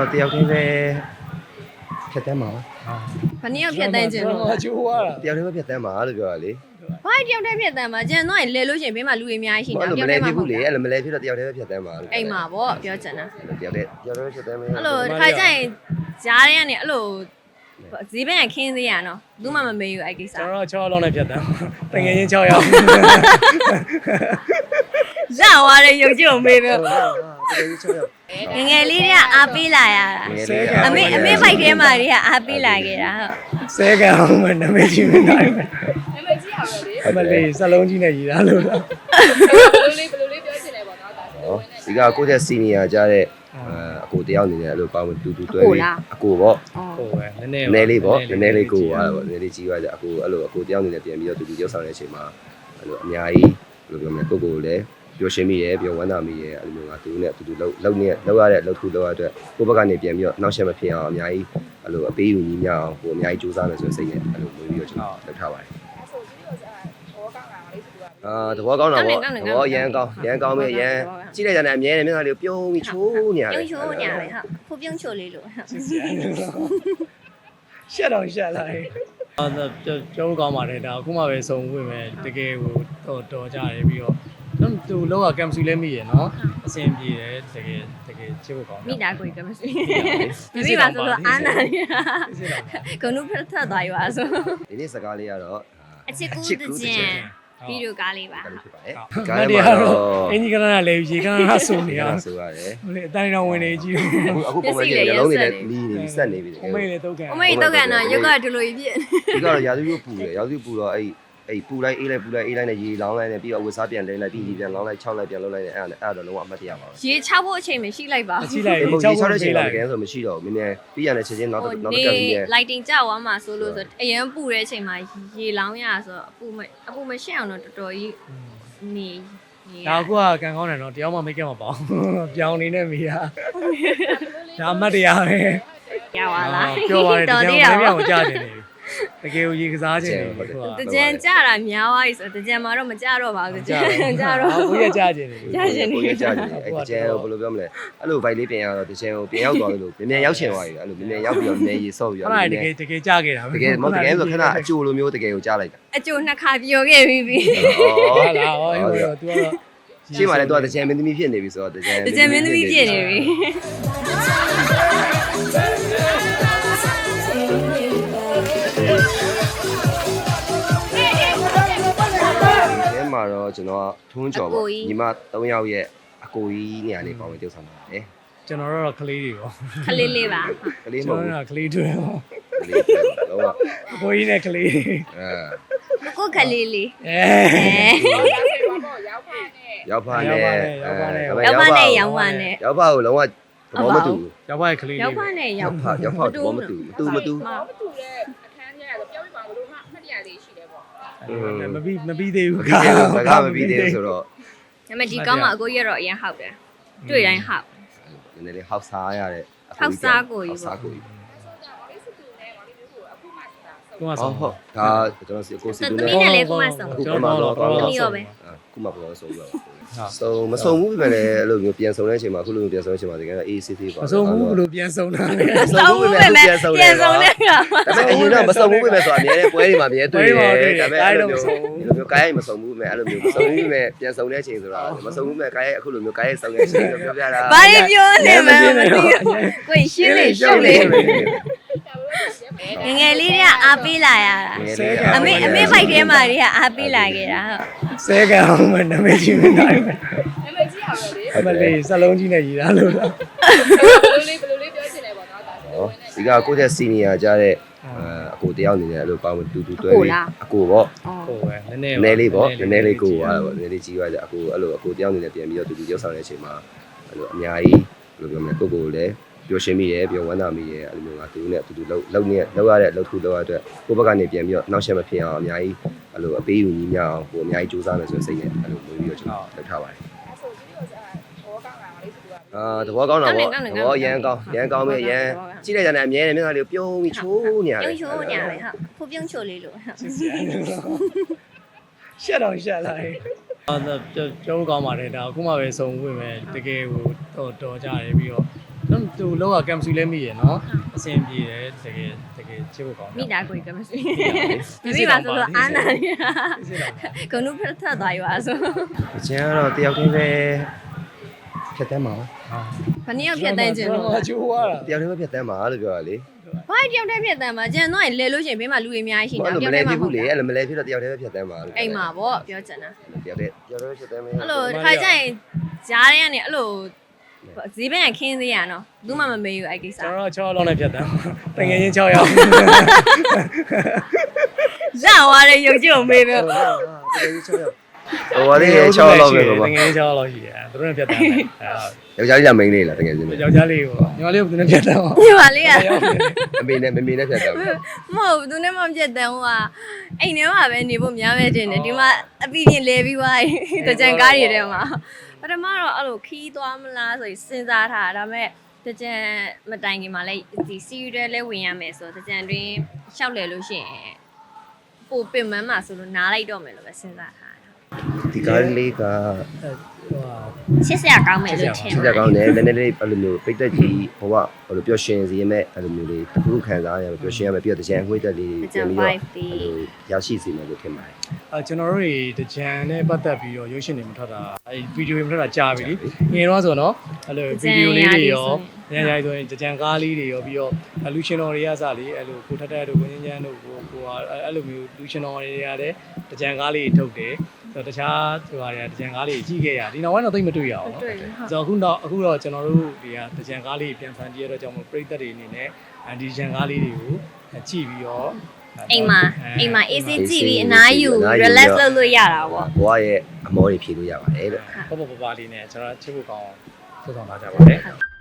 တော့တယောက်တည်းပဲဖြတ်တန်းမှာဘာနည်းဖြတ်တန်းခြင်းလို့ကျိုးသွားတာတယောက်တည်းပဲဖြတ်တန်းမှာလို့ပြောတာလေဘာတယောက်တည်းဖြတ်တန်းမှာကျန်တော့လဲလို့ရှိရင်ဘေးမှာလူတွေအများကြီးရှိနေအဲ့လိုမလဲဖြစ်ဘူးလေအဲ့လိုမလဲဖြစ်တော့တယောက်တည်းပဲဖြတ်တန်းမှာလို့အိမ်မှာပေါ့ပြောချင်တာတယောက်တည်းပဲဖြတ်တန်းမယ်အဲ့လိုတစ်ခါကျရင်ကြားထဲကနေအဲ့လိုဈေးဘက်ကခင်းသေးရနော်ဘူးမှမမေးဘူးအဲ့ကိစ္စကျွန်တော်6လောက်နဲ့ဖြတ်တန်းတကယ်ချင်း6ရောက်ရသွားတဲ့ရုပ်ကြီးကိုမေးပြောငငယ်လေးတွေကအားပေးလာရတာအမေဖိုက်ထဲမှာတွေကအားပေးလာခဲ့တာဟုတ်ဆဲကအောင်မနာမည်ကြီးမနိုင်ဘူးနာမည်ကြီးရပါလေအမလေးစလုံးကြီးနဲ့ရည်သားလို့လားဘယ်လိုလေးပြောချင်လဲပေါ့နော်ဒါဆိုဒီကကိုယ့်ရဲ့စီနီယာကြားတဲ့အကိုတယောက်အနေနဲ့အဲ့လိုပေါင်းတူတူတွဲပြီးအကိုပေါ့ဟုတ်ပဲနည်းနည်းလေးပေါ့နည်းလေးကိုသွားတော့နည်းလေးကြီးသွားကြအကိုအဲ့လိုအကိုတယောက်အနေနဲ့ပြန်ပြီးတော့တူတူရောက်ဆောင်တဲ့အချိန်မှာအဲ့လိုအများကြီးဘယ်လိုပြောမလဲကိုကိုလည်းပျော်ရွှင်မိရဲပျော်ဝမ်းသာမိရဲအဲ့လိုမျိုးကသူနဲ့တူတူလောက်ရတဲ့လှုပ်ထုလောက်ရတဲ့ကိုဘက်ကနေပြန်ပြီးတော့နောက်ဆက်မဖြစ်အောင်အများကြီးအဲ့လိုအပေးယူညီမျှအောင်ကိုအများကြီးစူးစမ်းမယ်ဆိုတဲ့စိတ်နဲ့အဲ့လိုမျိုးပြီးတော့ကျွန်တော်လုပ်ထားပါတယ်ဆိုကြည့်လို့ဆိုတာဘောကောင်းတာလေးဆိုတော့သဘောကောင်းတာပေါ့သဘောရမ်းကောင်းပြီရမ်းကြည့်လိုက်ကြတယ်အမြဲတမ်းမျက်နှာလေးပြုံးပြီးချိုးညာတယ်ပြုံးချိုးညာလေဟုတ်ဖူပြုံးချိုးလေးလို့ရှက်တော့ရှက်လာတယ်ကျောင်းကောင်းပါတယ်ဒါအခုမှပဲစုံဝင်မယ်တကယ်ဟိုတော်ကြတယ်ပြီးတော့သူလောကကမ်ဆူလဲမိရယ်နော်အဆင်ပြေတယ်တကယ်ချစ်ဖို့ကောင်းမိသားကိုကမရှိမိပါဆိုတော့အာနာရီကနုဖတ်ထသွားရွာဆိုဒီနေ့စကားလေးကတော့အချစ်ကူးတကြံဗီဒီယိုကားလေးပါဖြစ်ပါတယ်ကားကတော့အင်ဂျီကရနာလဲရေကရနာဆိုနေရဆိုရတယ်ဟိုလေအတိုင်းတော်ဝင်နေကြည့်အခုပုံမှန်ကြီးလုံးနေလည်းလီးနေဆက်နေပြီအမေလည်းတုတ်ကန်အမေတော့ကန်တော့ရုပ်ကဒလိုကြီးဖြစ်ဒီကတော့ရာသီဥတုပူတယ်ရာသီဥတုပူတော့အဲ့ပူလိုက်အေးလိုက်နဲ့ရေလောင်းလိုက်နဲ့ပြီးတော့ဝတ်စားပြန်လဲလိုက်ပြီးရေပြန်လောင်းလိုက်6လိုက်ပြန်လုပ်လိုက်နဲ့အဲ့ဒါလုံးဝအမှတ်တရပါပဲရေချဖို့အချိန်မရှိလိုက်ပါကြည့်လိုက်ပုံကြီး6တဲ့ချိန်တော့တကယ်ဆိုမရှိတော့ဘူးမြင်ပြီးရတဲ့ချိန်ချင်းနောက်တစ်ခါပြီးရ lighting ကြောက်သွားမှာဆိုလို့ဆိုအရင်ပူတဲ့အချိန်မှာရေလောင်းရဆိုအပူမရှိအောင်တော့တော်တော်ကြီးနေဒါအခုကကန်ကောင်းတယ်နော်တယောက်မှမိတ်ကပ်မပေါပြောင်းနေနဲ့မိတာဒါအမှတ်တရပဲရပါလားပြောပါတယ်တော်တသေးကတာယ်ပေါ့ကိုကြားနေတယ်တကယ်ကိုရေကစားခြင်းတယ်ခုကတကြံကြတာများသွားပြီဆိုတကြံမှာတော့မကြတော့ပါဘူးကြံကြတော့ကိုရကြားခြင်းတယ်ကိုကြီးကြားနေအဲ့တကြံကိုဘယ်လိုပြောမလဲအဲ့လိုဗိုက်လေးပြင်ရတော့တကြံကိုပြင်ရောက်သွားလို့မြန်ရောက်ချင်သွားပြီအဲ့လိုမြန်ရောက်ပြီးတော့မြန်ရေဆော့ပြီးတော့အဲ့ဒါတကယ်ကြားခဲ့တာတကယ်မဟုတ်တကယ်ဆိုခဏအကျိုးလိုမျိုးတကယ်ကိုကြားလိုက်တာအကျိုးနှစ်ခါပြောခဲ့ပြီးပြီဟုတ်လားဟောဟိုတော့ तू ကတော့ရှင်းပါလေတော့တကြံမင်းသမီးဖြစ်နေပြီဆိုတော့တကြံတကြံမင်းသမီးဖြစ်နေပြီဒီမှာတော့ကျွန်တော်ထွန်းကြော်ပေါ့ညီမ3ယောက်ရဲ့အကိုကြီးနေရာလေးပေါင်းပြီးတုပ်ဆောင်ပါတယ်ကျွန်တော်တို့ကကလေးတွေပေါ့ခလေးလေးပါကလေးမကျွန်ဟုတ်တော်ကကလေးတွေပေါ့ကလေးတော့အကိုကြီးနဲ့ကလေးကိုခလေးလေးအဲရောက်ဖာနဲ့ရောက်ပါနဲ့ကိုလုံးဝသဘောမတူရောက်ပါရဲ့ကလေးရောက်ပါနဲ့ရောက်ရောက်ဖာသဘောမတူမတူမတူတဲ့အခန်းထဲကတော့ပြောပြပါဘလို့မှမှတ်တရလေးရှိတယ်ပေါ့မပြီးသေးဘူးစကားမပြီးသေးဘူးဆိုတော့ဒါပေမဲ့ဒီကောင်းမှာအကိုကြီးကတော့အရင်ဟောက်တယ်တွေ့တိုင်းဟောက်နည်းနည်းလေးဟောက်စားရတဲ့ဟောက်စားကိုကြီးပေါ့ကိုကြီးဆိုတော့ဘာလေးစစ်တူနဲ့ဘာလေးမျိုးကိုအခုမှစစ်တာကိုကဟုဆောတ်ဟုတ်ဒါကျွန်တော်စီကိုစီတတူမီးနဲ့နဲ့လည်းကိုမဆောင်ကျွန်တော်တော့တမီးရောပဲခုမှပေါ်ဆုံးတော့ဆုံးမဆုံးဘူးပဲလေအဲ့လိုမျိုးပြန်ဆုံးတဲ့အချိန်မှာခုလိုမျိုးပြန်ဆုံးတဲ့အချိန်မှာတကယ်တော့ ACC ပါမဆုံးဘူးဘလို့ပြန်ဆုံးတာလဲဆောင်ဘူးပဲပြန်ဆုံးတဲ့ကဒါပေမဲ့အရင်တော့မဆုံးဘူးပဲဆိုတော့အများနဲ့ပွဲတွေမှာအများတွေ့တယ်ဒါပေမဲ့အဲ့လိုမျိုးကားရိုက်မဆုံးဘူးပဲအဲ့လိုမျိုးမဆုံးဘူးပဲပြန်ဆုံးတဲ့အချိန်ဆိုတော့မဆုံးဘူးပဲကားရိုက်အခုလိုမျိုးကားရိုက်ဆုံးတဲ့အချိန်လို့ပြောပြတာဘာပြောနေမှမသိဘူးကိုရှင်းလေရှုပ်လေငငယ်လေးတွေကအားပေးလာရတာအမေဖိုက်ထဲမှာတွေကအားပေးလာခဲ့တာဟုတ်ဆဲကအောင်မနာမည်ကြီးမနိုင်ဘူးနာမည်ကြီးရပါလေအမလေးစလုံးကြီးနဲ့ရည်သားလို့လားဘယ်လိုလေးပြောချင်လဲပေါ့နော်ဒါဆိုဒီကကိုယ့်ရဲ့စီနီယာကြားတဲ့အကိုတယောက်အနေနဲ့အဲ့လိုပေါင်းတူတူတွဲပြီးအကိုပေါ့ဟုတ်ပဲနည်းနည်းလေးပေါ့နည်းလေးကိုသွားတော့နည်းလေးကြီးသွားကြအကိုအဲ့လိုအကိုတယောက်အနေနဲ့ပြန်ပြီးတော့တူတူရောက်ဆောင်တဲ့အချိန်မှာအဲ့လိုအများကြီးဘယ်လိုပြောမလဲကိုကိုလည်းပျော်ရွှင်မိရဲပျော်ဝမ်းသာမိရဲအဲ့လိုမျိုးကသူနဲ့တူတူလောက်ရတဲ့လှုပ်ထုလောက်ရတဲ့ကိုဘက်ကနေပြန်ပြီးတော့နောက်ဆက်မဖြစ်အောင်အများကြီးအဲ့လိုအပေးယူညီမျှအောင်ကိုအများကြီးစူးစမ်းမယ်ဆိုတဲ့စိတ်နဲ့အဲ့လိုမျိုးပြီးတော့ကျွန်တော်လုပ်ထားပါတယ်ဆိုကြည့်လို့ဆိုတာဘောကောင်းတာလေးဆိုတော့သဘောကောင်းတာပေါ့သဘောရမ်းကောင်းပြီရမ်းကြည့်လိုက်ကြတယ်အမြဲတမ်းမျက်နှာလေးပြုံးပြီးချိုးညာတယ်ပြုံးချိုးညာလေဟုတ်ဖူပြုံးချိုးလေးလို့ရှက်တော့ရှက်လာတယ်ကျောင်းကောင်းပါတယ်ဒါအခုမှပဲစုံဝင်မယ်တကယ်ကိုတော်ကြတယ်ပြီးတော့သူလောကကမ်ဆူလဲမိရနော်အဆင်ပြေတယ်တကယ်ချစ်ဖို့ကောင်းမိသားကိုကမရှိမိပါဆိုတော့အာနာရီကနုဖတ်ထသွားရွာဆိုအချင်းကတော့တယောက်တည်းပဲဖြတ်တန်းမှာဘယ်နည်းဖြတ်တန်းခြင်းလို့ကျိုးသွားတာတယောက်တည်းပဲဖြတ်တန်းမှာလို့ပြောတာလေဘာတယောက်တည်းဖြတ်တန်းမှာကျန်တော့လဲလို့ရှိရင်ဘေးမှာလူတွေအများကြီးရှိအဲ့နေတာလိုတမယောက်တလဲည်းဖြစ်မှဘူးလေအဲ့လိုမလဲဖြစ်တော့တယောက်တည်းပဲဖြတ်တန်းမှာလို့အိမ်မှာပေါ့ပြောချင်တာတယောက်တည်းဖြတ်တန်းမယ်အဲ့လိုတစ်ခါကျရင်ဂျားတွေကနေအဲ့လိုဈေးဘက်ကခင်းသေးရနော်ဘူးမှမမေးဘူးအဲ့ကိစ္စကျွန်တော်6လောက်နဲ့ဖြတ်တန်းတကယ်ချင်း6ရောက်ရသွားတယ်ရုပ်ကြည့်အောင်မေးတော့တကယ်ကြီး6ရောက်ဟိုပါလေ6လောက်ပဲပေါ့တကယ်ချင်း6လောက်ရှိတယ်သူတို့နဲ့ဖြတ်တန်းတယ်ယောက်ျားလေးကမိန်းလေးလားတကယ်ချင်းယောက်ျားလေးကိုညီမလေးကသူနဲ့ဖြတ်တန်းအောင်ဒီပါလေးကအမေနဲ့မမေနဲ့ဖြတ်တန်းမဟုတ်သူနဲ့မှပြတ်တယ်ဟိုကအိမ်ထဲမှာပဲနေဖို့များပဲတင်တယ်ဒီမှာအပီပြင်လဲပြီးသွားပြီတကြံကားတွေထဲမှာပထမတော့အဲ့လိုခီးသွားမလားဆိုစဉ်းစားထားတာဒါပေမဲ့တကြံမတိုင်ခင်မှာလည်းဒီစီရီတဲလဲဝင်ရမယ်ဆိုတကြံတွင်ရှောက်လဲလို့ရှိရင်ပိုပင်မန်းမှာဆိုလို့နားလိုက်တော့မယ်လို့ပဲစဉ်းစားထားတာဒီကားလေးကချစ်စရာကောင်းမယ်လို့ထင်ချစ်တဲ့ကောင်းတယ်နည်းနည်းလေးအဲ့လိုမျိုးပိတ်သက်ကြီးဟိုကဟိုလိုပျော်ရွှင်စေမဲ့အဲ့လိုမျိုးလေးတစ်ခုခံစားရမယ်ပျော်ရွှင်ရမယ်ပြီးတော့တကြံအငွေ့သက်လေးပြန်ပြီးတော့ရရှိစေမယ်လို့ထင်ပါတယ်ကျွန်တော်တို့တွေတကြံနဲ့ပတ်သက်ပြီးတော့ရုပ်ရှင်တွေမထွက်တာအဲဗီဒီယိုတွေမထွက်တာကြာပြီလေငယ်တော့ဆိုတော့အဲ့လိုဗီဒီယိုလေးတွေရောညညဆိုရင်တကြံကားလေးတွေရောပြီးတော့လူရှင်တော်တွေကစလေအဲ့လိုကိုထက်တဲ့တို့ကိုငင်းငင်းတို့ကိုအဲ့လိုမျိုးလူရှင်တော်တွေကလည်းတကြံကားလေးထုတ်တယ်ဆိုတော့တခြားဟိုဟာတွေကတကြံကားလေးကြီးခဲ့ရဒီနောက်ပိုင်းတော့သိမတွေ့ရအောင်နော်ဆိုတော့အခုတော့ကျွန်တော်တို့တွေကတကြံကားလေးပြန်ဖန်တီးရတော့ကြောင့်မို့ပရိသတ်တွေအနေနဲ့ဒီတကြံကားလေးတွေကိုကြည့်ပြီးတော့အိမ်မှာအေးစေးကြည့်ပြီးအနားယူ relax လုပ်လို့ရတာပေါ့ဘွားရဲ့အမောတွေဖြေလို့ရပါတယ်လို့ပေါ့ပေါ့ပါပါလေးနဲ့ကျွန်တော်ချစ်ဖို့ကောင်းအောင်ဆက်ဆောင်လာကြပါတယ်